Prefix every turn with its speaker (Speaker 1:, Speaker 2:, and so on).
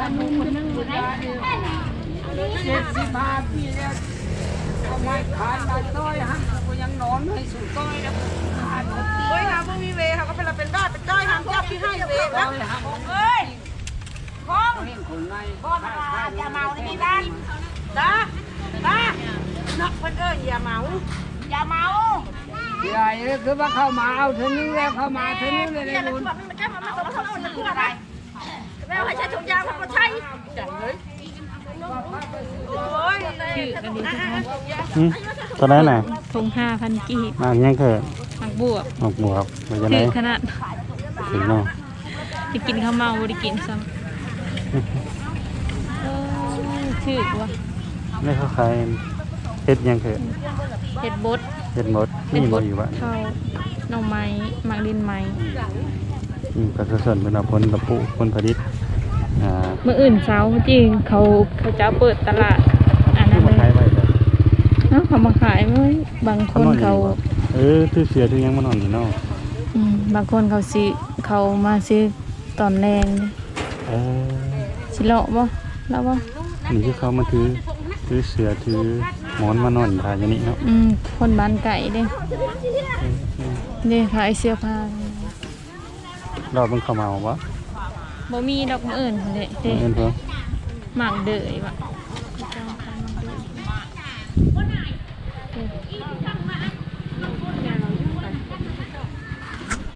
Speaker 1: 70 ปีแล้วเอาไม้ขายได้ต้อยฮะก็ยังนอนให้สู่ต้อยแล้ว
Speaker 2: โอ้ยค่ะพวกมีเวค่ะก็เป็นบ้าเป็นจ้อยทำจับที่ให้เวนะเฮ้ยคงบ่มาอย่าเมาในบ้านนะนักเพิ่นอย่าเมาอย่าเมา
Speaker 1: ใหญ่คือว่าเข้ามาเอาเท่านี้แล้วเข้ามาเท่านี้เลยลุง
Speaker 2: มันจะมาต้องเอามันคืออะไรแล้วให้ใช้ถุงยางมันก็ใช่จังเลยโอ้ยชื่อกันดี
Speaker 3: ตอนนั้นน่ะ
Speaker 4: ทง5,000 กีบ
Speaker 3: ยังเกิด
Speaker 4: หมักบวบ
Speaker 3: มันจะไหน
Speaker 4: ขนาด
Speaker 3: ถึงเนาะ
Speaker 4: จะกินข้าวเมาบ่ได้กินซ้ำชื่อว่า
Speaker 3: ไม่เข้าใครเฮ็ดยังเกิด
Speaker 4: เห็ดบด
Speaker 3: นี่บ่อยู่บ้าน
Speaker 4: ข้าวหน่อไม้หมักดินไม้
Speaker 3: ก็ส่วนเป็นผลกับผู้ผลผลิต
Speaker 4: เมื่ออื่นเช้าจริงเขาจะเปิดตลาดอันนั้นเลยเขามาขายไหมบางคนเขา
Speaker 3: ซื้อเสือซื้อยังมานอนนี่เนาะ
Speaker 4: บางคนเขาซื้อเขามาซื้อตอนแรงสิเลาะบ่แล้วบ่
Speaker 3: นี่คือเขามาถือเสือถือหมอนมานอนทายอย่างนี้เนาะ
Speaker 4: คนบ้านไก่เด้ขายเสื้อผ้า
Speaker 3: เราเป็นข้าวเมาบ่
Speaker 4: มีดอกมะอื่นเลยเด้หมักเดยว่ะ